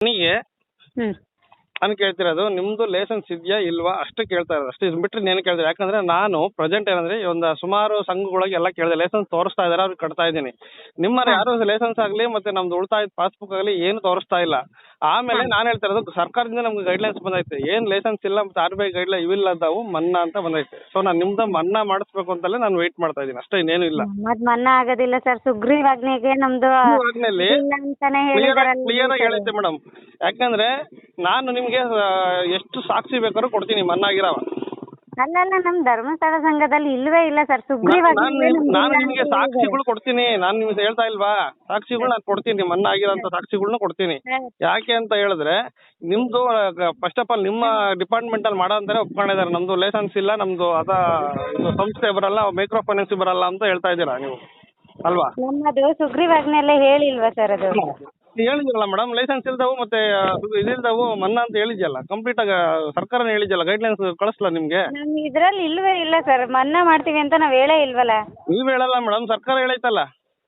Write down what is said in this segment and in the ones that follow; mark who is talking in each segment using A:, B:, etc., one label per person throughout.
A: ನನಗೆ
B: ಹ್ಮ್
A: ನಾನು ಕೇಳ್ತಿರೋದು ನಿಮ್ದು ಲೈಸೆನ್ಸ್ ಇದೆಯಾ ಇಲ್ವಾ ಅಷ್ಟು ಕೇಳ್ತಾ ಇರೋದು ಅಷ್ಟೇ. ಇದು ಬಿಟ್ಟರೆ ಏನು ಕೇಳ್ತಾರೆ? ಯಾಕಂದ್ರೆ ನಾನು ಪ್ರೆಸೆಂಟ್ ಏನಂದ್ರೆ ಒಂದು ಸುಮಾರು ಸಂಘಗಳಿಗೆ ಎಲ್ಲ ಕೇಳಿದೆ, ಲೈಸೆನ್ಸ್ ತೋರಿಸ್ತಾ ಇದ್ದಾರೆ, ಅವ್ರಿಗೆ ಕಟ್ತಾ ಇದ್ದೀನಿ. ನಿಮ್ಮರ ಯಾರು ಲೈಸೆನ್ಸ್ ಆಗಲಿ ಮತ್ತೆ ನಮ್ದು ಉಳಿತಾಯ ಪಾಸ್ಬುಕ್ ಆಗಲಿ ಏನು ತೋರಿಸ್ತಾ ಇಲ್ಲ. ಆಮೇಲೆ ನಾನು ಹೇಳ್ತಾ ಇರೋದು ಸರ್ಕಾರದಿಂದ ನಮ್ಗೆ ಗೈಡ್ಲೈನ್ಸ್ ಬಂದೈತೆ, ಏನು ಲೈಸೆನ್ಸ್ ಇಲ್ಲ ಮತ್ತೆ RBI ಗೈಡ್ಲೈನ್ ಇವಿಲ್ಲದಾವು ಮನ್ನಾ ಅಂತ ಬಂದೈತೆ. ಸೊ ನಾನು ನಿಮ್ದು ಮನ್ನಾ ಮಾಡಿಸ್ಬೇಕು ಅಂತಲೇ ನಾನು ವೆಯ್ಟ್ ಮಾಡ್ತಾ ಇದ್ದೀನಿ ಅಷ್ಟೇ, ಇನ್ನೇನು ಇಲ್ಲ.
B: ಮತ್ ಮನ್ನಾ ಆಗೋದಿಲ್ಲ ಸರ್. ಸುಗ್ರೀವಾಜ್ಞೆಗೆ ನಮ್ದು
A: ಆದ್ಮೇಲೆ
B: ಇಲ್ಲ ಅಂತಾನೆ ಹೇಳಿದಾರಲ್ಲ
A: ಕ್ಲಿಯರ್ ಆಗಿ ಹೇಳೈತೆ ಮೇಡಮ್. ಯಾಕಂದ್ರೆ ನಾನು ನಿಮ್ಗೆ ಎಷ್ಟು ಸಾಕ್ಷಿ ಬೇಕಾದ್ರೂ ಕೊಡ್ತೀನಿ ಮನ್ನಾ ಆಗಿರೋ.
B: ಅಲ್ಲಲ್ಲ ನಮ್ ಧರ್ಮಸ್ಥಳ ಸಂಘದಲ್ಲಿ ಇಲ್ವೇ ಇಲ್ಲ ಸರ್ ಸುಗ್ರೀವಾಜ್ಞೆ.
A: ನಾನು ನಿಮಗೆ ಸಾಕ್ಷಿಗಳು ಕೊಡ್ತೀನಿ, ನಾನು ನಿಮ್ಗೆ ಹೇಳ್ತಾ ಇಲ್ವಾ, ಸಾಕ್ಷಿಗಳು ನಾನು ಕೊಡ್ತೀನಿ, ಮನ್ನಾ ಆಗಿರೋಂಥ ಸಾಕ್ಷಿಗಳನ್ನ ಕೊಡ್ತೀನಿ. ಯಾಕೆ ಅಂತ ಹೇಳಿದ್ರೆ ನಿಮ್ದು ಫಸ್ಟ್ ಆಫ್ ಆಲ್ ನಿಮ್ಮ ಡಿಪಾರ್ಟ್ಮೆಂಟ್ ಅಲ್ಲಿ ಮಾಡೋ ಅಂತಾನೆ ಒಪ್ಕೊಂಡಿದ್ದಾರೆ, ನಮ್ದು ಲೈಸೆನ್ಸ್ ಇಲ್ಲ, ನಮ್ದು ಇದು ಸಂಸ್ಥೆ ಬರಲ್ಲ, ಮೈಕ್ರೋ ಫೈನಾನ್ಸ್ ಬರಲ್ಲ ಅಂತ ಹೇಳ್ತಾ ಇದ್ದೀರಾ ನೀವು ಅಲ್ವಾ?
B: ನಮ್ಮದು ಸುಗ್ರೀವಾಜ್ಞೆಯಲ್ಲೇ ಹೇಳಿಲ್ವಾ ಸರ್ ಅದು?
A: ಹೇಳಿದ್ರಲ್ಲ ಮೇಡಮ್, ಲೈಸೆನ್ಸ್ ಇಲ್ದವು ಮತ್ತೆ ಇದಿಲ್ದವು ಮನ್ನಾ ಅಂತ ಹೇಳಿದ್ಯಲ್ಲ, ಕಂಪ್ಲೀಟ್ ಆಗಿ ಸರ್ಕಾರನೇ ಹೇಳಿದ್ಯಲ್ಲ, ಗೈಡ್ಲೈನ್ಸ್ ಕಳಿಸ್ಲಾ ನಿಮ್ಗೆ?
B: ನಮ್ ಇದ್ರಲ್ಲಿ ಇಲ್ವೇ ಇಲ್ಲ ಸರ್, ಮನ್ನಾ ಮಾಡ್ತೀವಿ ಅಂತ ನಾವ್ ಹೇಳೇ ಇಲ್ವಲ್ಲ.
A: ನೀವ್ ಹೇಳಲ್ಲ ಮೇಡಮ್, ಸರ್ಕಾರ ಹೇಳೈತಲ್ಲ.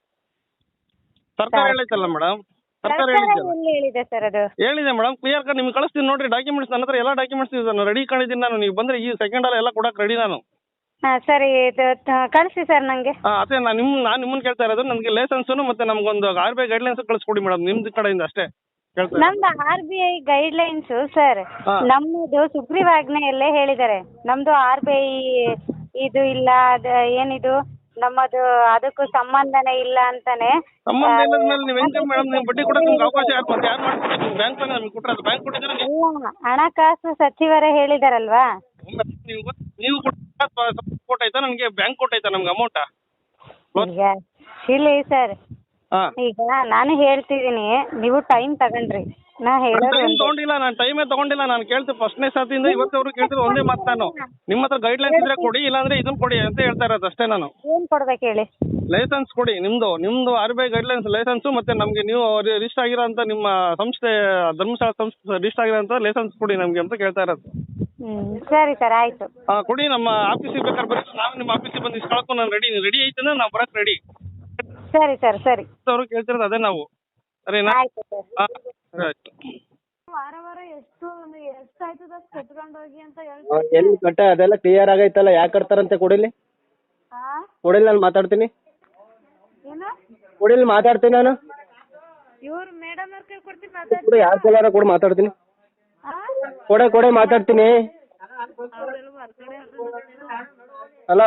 A: ಸರ್ಕಾರ ಹೇಳೈತಲ್ಲ ಮೇಡಮ್, ಸರ್ಕಾರ
B: ಹೇಳಿದೆ ಸರ್ ಅದು.
A: ಹೇಳಿದೆ ಮೇಡಮ್, ಕ್ಲಿಯರ್ ಕಟ್ ನಿಮ್ಗೆ ಕಳಿಸ್ತೀನಿ ನೋಡ್ರಿ ಡಾಕ್ಯುಮೆಂಟ್ಸ್. ನನ್ನ ಹತ್ರ ಎಲ್ಲ ಡಾಕ್ಯುಮೆಂಟ್ಸ್ ಇದೆ, ನಾನು ರೆಡಿ ಕಂಡಿದ್ದೀನಿ. ನಾನು ನೀವು ಬಂದ್ರೆ ಈ ಸೆಕೆಂಡ್ ಅಲ್ಲ ಎಲ್ಲ ಕೊಡಕ್ಕೆ ರೆಡಿ ನಾನು.
B: ಸರಿ ಕಳಿಸಿ ಸರ್ ನಂಗೆ.
A: ಅದೇ ನಾನು ನಿಮ್ಮನ್ನ ಕೇಳ್ತಾ ಇರೋದು, ನನಗೆ ಲೈಸೆನ್ಸು ಮತ್ತೆ ನಮ್ಗೊಂದು RBI ಗೈಡ್ಲೈನ್ಸ್ ಕಳಿಸ್ಕೊಡಿ ಮೇಡಮ್, ನಿಮ್ದು ಕಡೆಯಿಂದ ಅಷ್ಟೇ ಕೇಳ್ತಾ ಇರೋದು.
B: ನಮ್ದು RBI ಗೈಡ್ಲೈನ್ಸ್ ಸರ್, ನಮ್ಮದು ಸುಗ್ರೀವಾಜ್ಞೆಯಲ್ಲೇ ಹೇಳಿದ್ದಾರೆ. ನಮ್ದು RBI ಇದು ಇಲ್ಲ, ಅದು ಏನಿದು ನಮ್ಮದು ಅದಕ್ಕೂ ಸಂಬಂಧನೇ ಇಲ್ಲ ಅಂತಾನೆ.
A: ಸಂಬಂಧ ಇಲ್ಲದ ಮೇಲೆ ನೀವು ಹೆಂಗೆ ಮೇಡಮ್, ನೀವು ಬಡ್ಡಿ ಕೊಡೋಕೆ ನಿಮ್ಗೆ ಅವಕಾಶ ಯಾರು ಮತ್ತೆ ಯಾರು ಮಾಡ್ಕೊಡ್ತಾರೆ? ನೀವು ಬ್ಯಾಂಕ್ ನಮ್ಗೆ ಕೊಟ್ಟರೆ ಬ್ಯಾಂಕ್ ಕೊಟ್ಟಿದ್ದಾರೆ.
B: ಇಲ್ಲ, ಹಣಕಾಸು ಸಚಿವರೇ ಹೇಳಿದಾರಲ್ವಾ?
A: ನೀವು ಕೊಟ್ಟಾಯ್ತಾ ನನಗೆ, ಬ್ಯಾಂಕ್ ಕೊಟ್ಟಾಯ್ತಾ ನಮ್ಗೆ ಅಮೌಂಟ?
B: ಈಗ ಇಲ್ಲಿ ಸರ್, ಈಗ ನಾನು ಹೇಳ್ತಿದ್ದೀನಿ, ನೀವು ಟೈಮ್ ತಗೊಂಡ್ರಿ. ನಾ ಹೇಳೋದು
A: ತಗೊಂಡಿಲ್ಲ, ನಾನು ಟೈಮೇ ತಗೊಂಡಿಲ್ಲ. ನಾನು ಕೇಳ್ತೀನಿ ಫಸ್ಟ್ನೇ ಸಾತಿಯಿಂದ ಇವತ್ತವರೆಗೂ ಕೇಳ್ತೀನಿ ಒಂದೇ ಮಾತು, ನಾನು ನಿಮ್ಮ ಹತ್ರ ಗೈಡ್ಲೈನ್ಸ್ ಇದ್ರೆ ಕೊಡಿ, ಇಲ್ಲಾಂದ್ರೆ ಇದನ್ನ ಕೊಡಿ ಅಂತ ಹೇಳ್ತಾ ಇರೋದು ಅಷ್ಟೇ. ನಾನು
B: ಏನ್ ಕೊಡ್ಬೇಕು ಹೇಳಿ?
A: ಲೈಸೆನ್ಸ್ ಕೊಡಿ, ನಿಮ್ದು RBI ಗೈಡ್ಲೈನ್ಸ್ ಲೈಸೆನ್ಸ್ ಮತ್ತೆ ನಮ್ಗೆ ನೀವು ರಿಜಿಸ್ಟರ್ ಆಗಿರೋ ಅಂತ ನಿಮ್ಮ ಸಂಸ್ಥೆ ಧರ್ಮಸ್ಥಳ ಸಂಸ್ಥೆ ರಿಜಿಸ್ಟರ್ ಆಗಿರೋ ಅಂತ ಲೈಸೆನ್ಸ್ ಕೊಡಿ ನಮ್ಗೆ ಅಂತ ಕೇಳ್ತಾ ಇರೋದು.
B: ಸರಿ ಸರ್, ಆಯ್ತು.
A: ಕೊಡಿ, ನಮ್ಮ ಆಫೀಸಿಗೆ ಬೇಕಾದ್ರೆ ಬರೀ, ನಾವು ನಿಮ್ಮ ಆಫೀಸಿಗೆ ಬಂದು ಇಸ್ಕೊಳಕ್ಕೂ ನಾನು ರೆಡಿ ಐತೆ ಅಂದ್ರೆ ನಾವು ಬರಕ್ಕೆ ರೆಡಿ.
B: ಸರಿ ಸರ್, ಸರಿ.
A: ಅವರು ಕೇಳ್ತಿರೋದು ಅದೇ ನಾವು, ಸರಿನಾ?
B: ಆಯ್ತು ಸರ್.
A: ಆಯ್ತು.
B: ವಾರ ಎಷ್ಟು ಆಯ್ತದ ಕಟ್ಕೊಂಡು ಹೋಗಿ ಅಂತ
C: ಎಲ್ಲಿ ಕಟ್ಟ ಅದೆಲ್ಲ ಕ್ಲಿಯರ್ ಆಗೈತಲ್ಲ, ಯಾಕೆ ಕಟ್ತಾರಂತೆ? ಕೊಡಿಲಿ ಕೊಡಿಲಿ, ನಾನು ಮಾತಾಡ್ತೀನಿ.
B: ಏನು
C: ಕೊಡಿಲಿ, ಮಾತಾಡ್ತೀನಿ ನಾನು.
B: ಇವ್ರು ಮೇಡಮ್ ಅವ್ರ ಕೈ ಕೊಡ್ತೀನಿ,
C: ಯಾರ ಕೈಲಾರ ಕೊಡು, ಮಾತಾಡ್ತೀನಿ. ಕೊಡೆ ಮಾತಾಡ್ತೀನಿ. ಹಲೋ,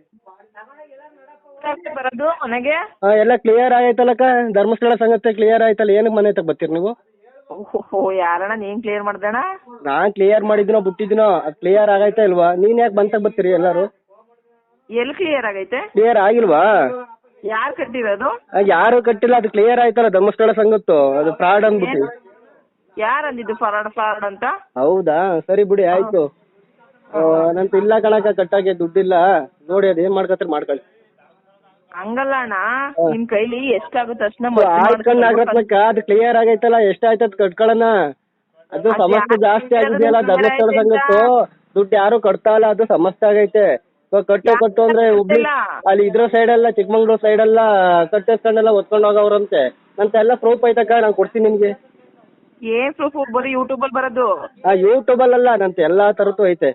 B: ಬರೋದು ಮನೆಗೆ?
C: ಎಲ್ಲ ಕ್ಲಿಯರ್ ಆಗೈತಲ್ಲಕ್ಕ, ಧರ್ಮಸ್ಥಳ ಸಂಗತಿ ಕ್ಲಿಯರ್ ಆಯ್ತಲ್ಲ, ಏನಕ್ಕೆ ಮನೆ ತಗ ಬರ್ತೀರಿ ನೀವು?
B: ಯಾರಣ್ಣ ನೀನ್ ಕ್ಲಿಯರ್ ಮಾಡ್ದಣ್ಣ?
C: ನಾನ್ ಕ್ಲಿಯರ್ ಮಾಡಿದಿನೋ ಬಿಟ್ಟಿದಿನೋ, ಕ್ಲಿಯರ್ ಆಗೈತಾ ಇಲ್ವಾ? ನೀನ್ ಯಾಕೆ ಬಂತಾಗ ಬರ್ತೀರಿ ಎಲ್ಲಾರು?
B: ಎಲ್ಲಿ ಕ್ಲಿಯರ್ ಆಗೈತೆ?
C: ಕ್ಲಿಯರ್ ಆಗಿಲ್ವಾ?
B: ಯಾರು ಕಟ್ಟಿರೋದು?
C: ಯಾರು ಕಟ್ಟಿಲ್ಲ, ಅದು ಕ್ಲಿಯರ್ ಆಯ್ತಲ್ಲ ಧರ್ಮಸ್ಥಳ ಸಂಗತ್ತು, ಅದು ಫ್ರಾಡ್ ಅಂದ್ಬಿಟ್ಟು.
B: ಯಾರು ಅಂದಿದ್ದು ಫ್ರಾಡ್ ಅಂತ?
C: ಹೌದಾ, ಸರಿ ಬಿಡಿ, ಆಯ್ತು. ನಂತ ಇಲ್ಲ ಕಣಕ, ಕಟ್ಟಾಗೆ ದುಡ್ಡಿಲ್ಲ, ನೋಡಿ ಅದ್ ಏನ್ ಮಾಡ್ಕತ್ರಿ ಮಾಡ್ಕೊಳ್ಳಿ.
B: ಹಂಗಲ್ಲ ಅಣ್ಣ, ನಿಮ್ ಕೈಲಿ ಎಷ್ಟಾಗುತ್ತೆ ಅಷ್ಟನ್ನ
C: ಆಗತ್ನಕ್ಕ, ಅದು ಕ್ಲಿಯರ್ ಆಗೈತಲ್ಲ, ಎಷ್ಟಾಯ್ತದ ಕಟ್ಕೊಳ್ಳೋಣ. ಅದು ಸಮಸ್ಯೆ ಜಾಸ್ತಿ ಆಗಿದೆಯಲ್ಲ ಧರ್ಮಸ್ಥಳ ಸಂಗತ್ತು, ದುಡ್ಡು ಯಾರು ಕಟ್ತಾ ಇಲ್ಲ, ಅದು ಸಮಸ್ಯೆ ಆಗೈತೆ. ಕಟ್ಟು ಅಂದ್ರೆ ಹುಬ್ಳಿ ಅಲ್ಲಿ ಇದ್ರ ಸೈಡ್ ಎಲ್ಲ, ಚಿಕ್ಕಮಂಗ್ಳೂರ್ ಸೈಡ್ ಎಲ್ಲ ಕಟ್ಟಿಸ್ಕೊಂಡೆಲ್ಲ ಒತ್ಕೊಂಡು ಹೋಗವ್ರಂತೆ. ನಂತ ಎಲ್ಲ ಪ್ರೂಫ್ ಐತಕ್ಕ, ನಾನು ಕೊಡ್ತೀನಿ ನಿಮ್ಗೆ.
B: ಏನ್ ಪ್ರೂಫ್? ಬರೀ ಯೂಟ್ಯೂಬ್ ಅಲ್ಲಿ ಬರೋದು?
C: ಯೂಟ್ಯೂಬ್ ಅಲ್ಲ, ನಂತ ಎಲ್ಲಾ ತರದ್ದು ಐತೆ.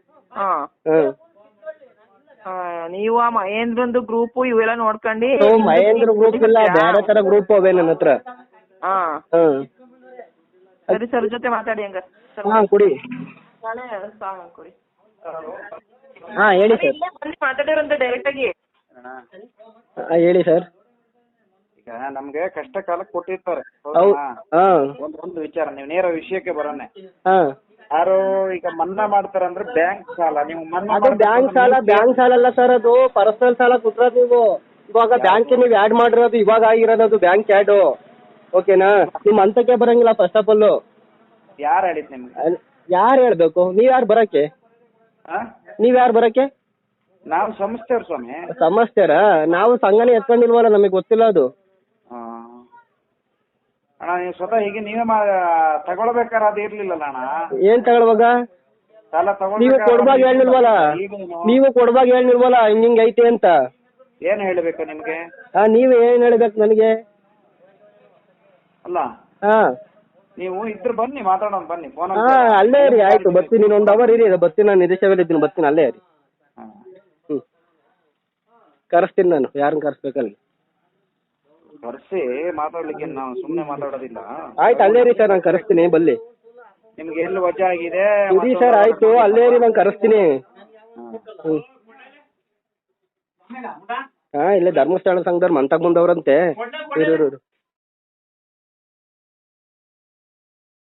B: ನೀವು ಆ ಮಹೇಂದ್ರಂದು ಗ್ರೂಪ್ ಇವೆಲ್ಲ ನೋಡ್ಕೊಂಡು?
C: ಮಹೇಂದ್ರ ಗ್ರೂಪ್ ಇಲ್ಲ, ಬೇರೆ ತರ ಗ್ರೂಪ್ ಅವೇ ನನ್ನ ಹತ್ರ.
B: ಸರಿ ಸರ್, ಜೊತೆ ಮಾತಾಡಿ ಹಂಗ.
C: ಕೊಡಿ.
B: ಕೊಡಿ.
C: ಹೇಳಿ ಸರ್.
B: ಮಾತಾಡಿರಂತ ಡೈರೆಕ್ಟ್ ಆಗಿ
C: ಹೇಳಿ ಸರ್.
D: ಈಗ ನಮ್ಗೆ ಕಷ್ಟ ಕಾಲಕ್ಕೆ ಕೊಟ್ಟಿರ್ತಾರೆ, ಒಂದು ವಿಚಾರ, ನೀವು ನೇರ ವಿಷಯಕ್ಕೆ ಬರೋಣ. ಯಾರು ಈಗ ಮನ್ನಾ ಮಾಡ್ತಾರಂದ್ರೆ ಬ್ಯಾಂಕ್ ಸಾಲ, ನೀವು ಮನ್ನಾ
C: ಬ್ಯಾಂಕ್ ಸಾಲ ಅಲ್ಲ ಸರ್, ಅದು ಪರ್ಸನಲ್ ಸಾಲ ಕೊಟ್ಟಿರೋದು. ನೀವು ಇವಾಗ ಬ್ಯಾಂಕ್ ನೀವು ಆಡ್ ಮಾಡಿರೋದು, ಇವಾಗ ಆಗಿರೋದು ಅದು ಬ್ಯಾಂಕ್ ಆ್ಯಡ್, ಓಕೆನಾ? ನಿಮ್ ಅಂತಕ್ಕೆ ಬರಂಗಿಲ್ಲ ಫಸ್ಟ್ ಆಫ್ ಆಲ್.
D: ಯಾರು ಹೇಳಿದ್ ನಿಮ್ಗೆ?
C: ಯಾರು ಹೇಳ್ಬೇಕು? ನೀವ್ಯಾರು ಬರಕ್ಕೆ? ನೀವ್ಯಾರು ಬರಕ್ಕೆ?
D: ನಾವು ಸಂಸ್ಥೆಯವ್ರು ಸ್ವಾಮಿ.
C: ಸಮಸ್ಯೆರಾ? ನಾವು ಸಂಘನೇ ಎತ್ಕೊಂಡಿಲ್ವಲ್ಲ, ನಮಗೆ ಗೊತ್ತಿಲ್ಲ ಅದು.
D: ಅಣ್ಣ ನೀವು ಸ್ವತಃ ಹೀಗೆ ನೀವೇ ತಗೊಳ್ಬೇಕಾರ ಅದು ಇರ್ಲಿಲ್ಲಲ್ಲ ಅಣ್ಣ.
C: ಏನ್ ತಗೊಳ್ವಾಗ?
D: ಸಾಲ
C: ನೀವು ಕೊಡ್ಬಾಗ ಹೇಳಿಲ್ವಲ್ಲ, ನೀವು ಕೊಡ್ಬಾಗ ಹೇಳಿಲ್ವಲ್ಲ ಹಿಂಗ್ ಐತೆ ಅಂತ.
D: ಏನ್ ಹೇಳ್ಬೇಕು ನಿಮ್ಗೆ?
C: ನೀವ್ ಏನ್ ಹೇಳ್ಬೇಕು ನನಗೆ?
D: ಅಲ್ಲ ನೀವು ಇದ್ರ ಬನ್ನಿ ಮಾತಾಡೋಣ ಬನ್ನಿ ಫೋನ್
C: ಹಾ ಅಲ್ಲೇ ಇರಿ, ಆಯ್ತು ಬರ್ತೀನಿ, ಇನ್ನೊಂದು ಅವರ್ ಇರಿ, ಬರ್ತೀನಿ, ನಾನು ನಿರೀಕ್ಷೆಗಳಿದ್ದೀನಿ, ಬರ್ತೀನಿ, ಅಲ್ಲೇ ಇರಿ. ಹ್ಞೂ ಕರೆಸ್ತೀನಿ ನಾನು, ಯಾರನ್ನ ಕರೆಸ್ಬೇಕಲ್ಲಿ.
D: ಕರ್ಸಿ ಮಾತಾಡ್ಲಿಕ್ಕೆ ನಾವು ಸುಮ್ಮನೆ ಮಾತಾಡೋದಿಲ್ಲ.
C: ಆಯ್ತು ಅಲ್ಲೇ ಇರಿ ಸರ್, ನಾನು ಕರೆಸ್ತೀನಿ, ಬಲ್ಲಿ.
D: ನಿಮ್ಗೆ ಎಲ್ಲಿ ವಜಾ ಆಗಿದೆ
C: ಇರಿ ಸರ್, ಆಯ್ತು ಅಲ್ಲೇ ಇರಿ, ನಾನು ಕರೆಸ್ತೀನಿ. ಹ್ಞೂ ಹಾ ಇಲ್ಲೇ ಧರ್ಮಸ್ಥಳ ಸಂಘದವ್ರು ಮಂತಾಗ ಬಂದವ್ರಂತೆ. ಇರು